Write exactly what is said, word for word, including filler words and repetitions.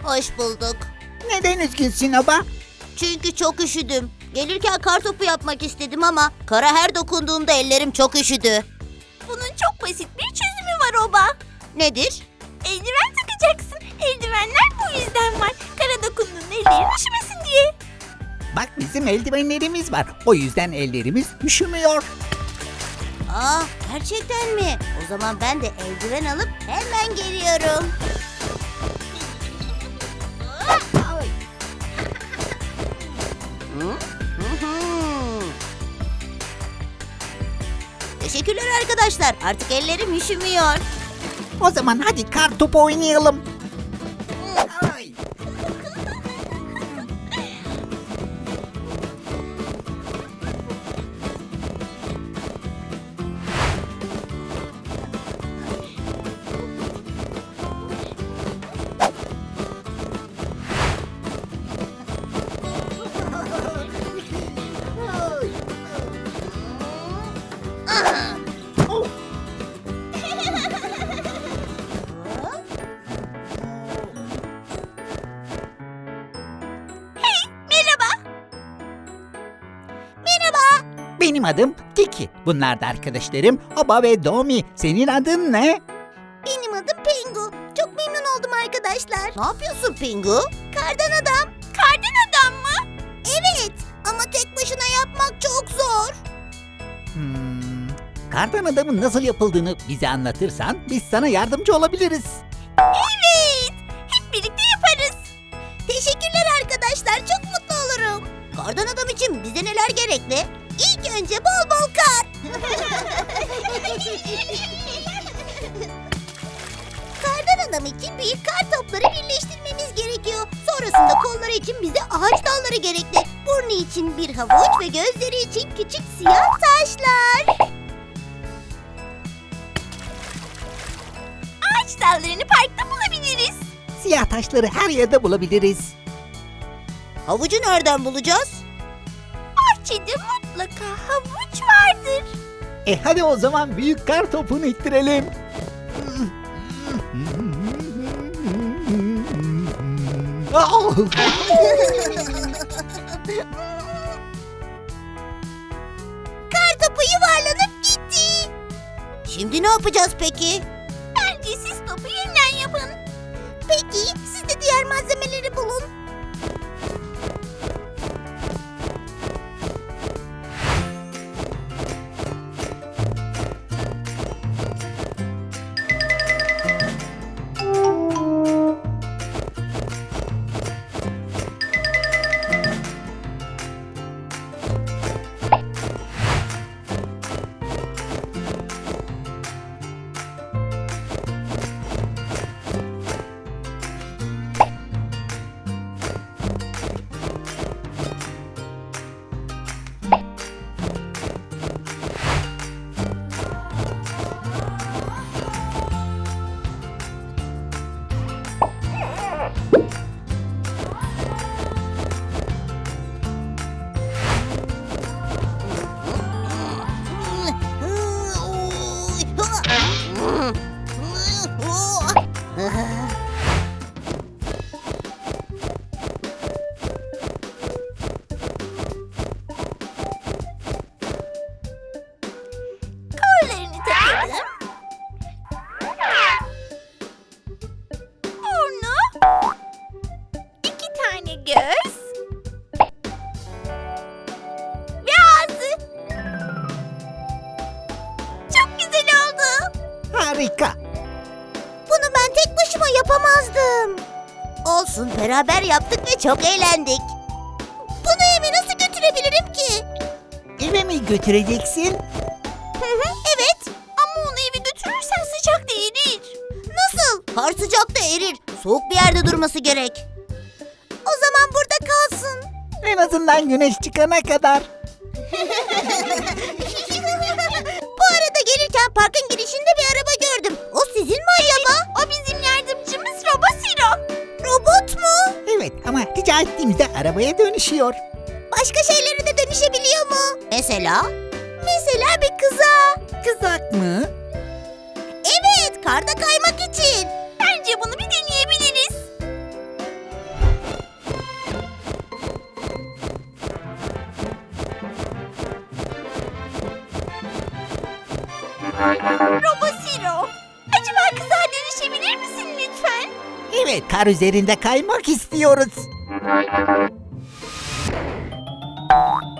Hoş bulduk. Neden üzgünsün Oba? Çünkü çok üşüdüm. Gelirken kartopu yapmak istedim ama kara her dokunduğumda ellerim çok üşüdü. Bunun çok basit bir çözümü var Oba. Nedir? Eldiven takacaksın. Eldivenler bu yüzden var. Kara dokunduğunda ellerin üşümesin diye. Bak bizim eldivenlerimiz var. O yüzden ellerimiz üşümüyor. Aa, gerçekten mi? O zaman ben de eldiven alıp hemen geliyorum. Hı? Hı hı. Teşekkürler arkadaşlar. Artık ellerim üşümüyor. O zaman hadi kar topu oynayalım. Ay. Merhaba. Benim adım Tiki. Bunlar da arkadaşlarım Oba ve Domi. Senin adın ne? Benim adım Pingu. Çok memnun oldum arkadaşlar. Ne yapıyorsun Pingu? Kardan adam. Kardan adam mı? Evet ama tek başına yapmak çok zor. Hmm, kardan adamın nasıl yapıldığını bize anlatırsan biz sana yardımcı olabiliriz. Evet. Hep birlikte yaparız. Teşekkürler arkadaşlar. Çok mutlu olurum. Kardan adam için bize neler gerekli? İlk önce bol bol kar. Kardan adam için büyük kar topları birleştirmemiz gerekiyor. Sonrasında kolları için bize ağaç dalları gerekli. Burnu için bir havuç ve gözleri için küçük siyah taşlar. Ağaç dallarını parkta bulabiliriz. Siyah taşları her yerde bulabiliriz. Havucu nereden bulacağız? Bahçede mutlaka havuç vardır. E hadi o zaman büyük kar topunu ittirelim. Oh! Kar topu yuvarlanıp gitti. Şimdi ne yapacağız peki? Bence siz topu yeniden yapın. Peki siz de diğer malzemeleri bulun. Kollarını takalım. Burnu. İki tane göz. Ve ağzı. Çok güzel oldu. Harika. Bunu ben tek başıma yapamazdım. Olsun, beraber yaptık ve çok eğlendik. Bunu eve nasıl götürebilirim ki? Eve mi götüreceksin? Hı hı, evet. Ama onu eve götürürsen sıcak da erir. Nasıl? Kar sıcakta erir. Soğuk bir yerde durması gerek. O zaman burada kalsın. En azından güneş çıkana kadar. Bu arada gelirken parkın girişinde bir araba gördüm. O sizin mi acaba? O bizim yardımcımız Robosiro. Robot mu? Evet ama rica ettiğimizde arabaya dönüşüyor. Başka şeylere de dönüşebiliyor mu? Mesela? Mesela bir kıza. Kızak mı? Evet, karda kaymak için. Bence bunu bir deneyebiliriz. kar üzerinde kaymak istiyoruz.